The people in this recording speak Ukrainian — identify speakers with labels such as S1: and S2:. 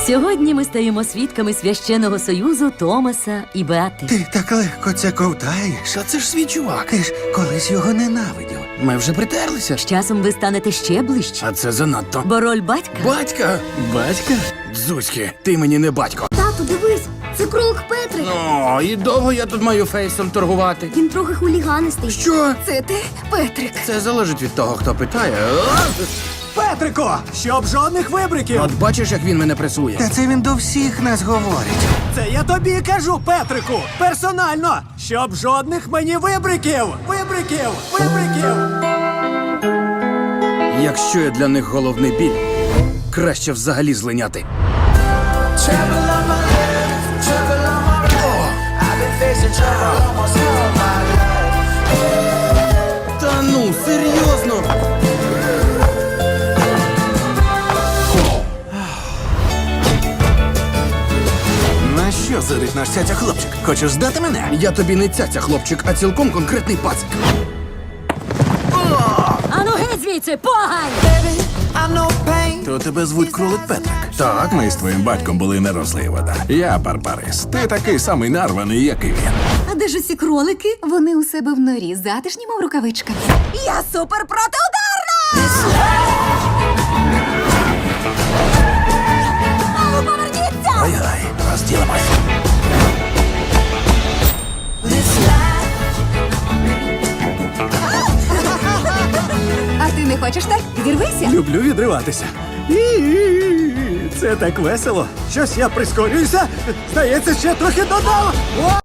S1: Сьогодні ми стаємо свідками священного союзу Томаса і Беати.
S2: Ти так легко це ковтаєш.
S3: А це ж свій чувак.
S2: Ти ж колись його ненавидів.
S3: Ми вже притерлися.
S1: З часом ви станете ще ближче,
S3: А це занадто.
S1: бо роль батька
S3: Батька? Батька? Дзузьки, ти мені не батько.
S4: Тату, дивись, це кролик Петрик.
S3: Ну, і довго я тут маю фейсом торгувати.
S4: Він трохи хуліганистий.
S3: Що?
S4: Це ти, Петрик?
S3: Це залежить від того, хто питає.
S5: Петрико, щоб жодних вибриків.
S3: От бачиш, як він мене пресує.
S2: Та це він до всіх нас говорить.
S5: Це я тобі кажу, Петрику, персонально, щоб жодних мені вибриків. Вибриків, вибриків.
S3: Якщо я для них головний біль, краще взагалі злиняти. Та ну, серйозно?
S2: На що зирить наш цяця хлопчик? Хочеш здати мене?
S3: Я тобі не цяця, хлопчик, а цілком конкретний пацик.
S1: Ану геть звідси, погань!
S2: То тебе звуть кролик Петрик.
S3: Так,
S6: Ми з твоїм батьком були не розлий вода. Я Барбарис. Ти такий самий нарваний, як і він.
S4: А де ж усі кролики? Вони у себе в норі, затишні, мов рукавичка. Я супер протиударна! Мамо, поверніться!
S2: Ай-ай, розділимось.
S4: А ти не хочеш так? Відірвися?
S5: Люблю відриватися. Це так весело. Щось я прискорююся. Здається, ще трохи додав. О!